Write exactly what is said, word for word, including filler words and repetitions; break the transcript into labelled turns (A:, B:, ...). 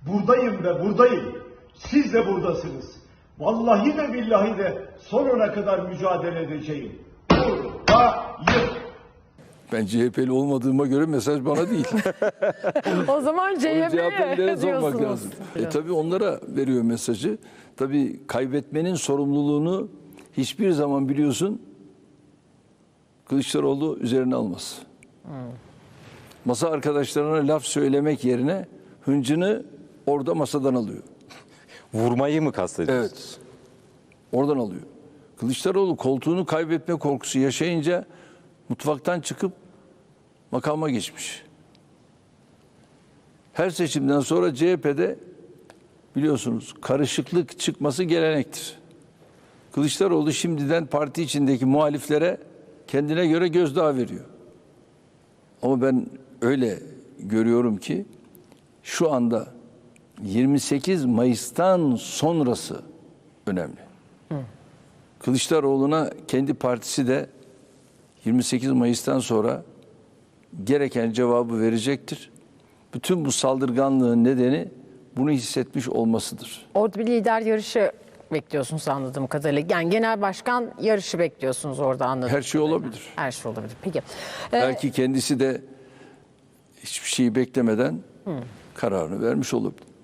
A: Buradayım ve buradayım. Siz de buradasınız. Vallahi de billahi de sonuna kadar mücadele edeceğim. Buradayım.
B: Ben C H P'li olmadığıma göre mesaj bana değil.
C: O zaman C H P'ye
B: sormak
C: diyorsunuz.
B: lazım. E, tabii onlara veriyor mesajı. Tabii kaybetmenin sorumluluğunu hiçbir zaman biliyorsun Kılıçdaroğlu üzerine almaz. Hmm. Masa arkadaşlarına laf söylemek yerine hıncını orada masadan alıyor.
D: Vurmayı mı kastediyorsun?
B: Evet. Oradan alıyor. Kılıçdaroğlu koltuğunu kaybetme korkusu yaşayınca mutfaktan çıkıp makama geçmiş. Her seçimden sonra C H P'de biliyorsunuz karışıklık çıkması gelenektir. Kılıçdaroğlu şimdiden parti içindeki muhaliflere kendine göre gözdağı veriyor. Ama ben öyle görüyorum ki şu anda yirmi sekiz Mayıs'tan sonrası önemli. Hı. Kılıçdaroğlu'na kendi partisi de yirmi sekiz Mayıs'tan sonra gereken cevabı verecektir. Bütün bu saldırganlığın nedeni bunu hissetmiş olmasıdır.
C: Orada bir lider yarışı bekliyorsunuz anladığım kadarıyla. Yani genel başkan yarışı bekliyorsunuz orada anladığım
B: Her şey
C: kadarıyla.
B: olabilir.
C: Her şey olabilir. Peki. Ee,
B: Belki kendisi de hiçbir şeyi beklemeden hı. kararını vermiş olabilir.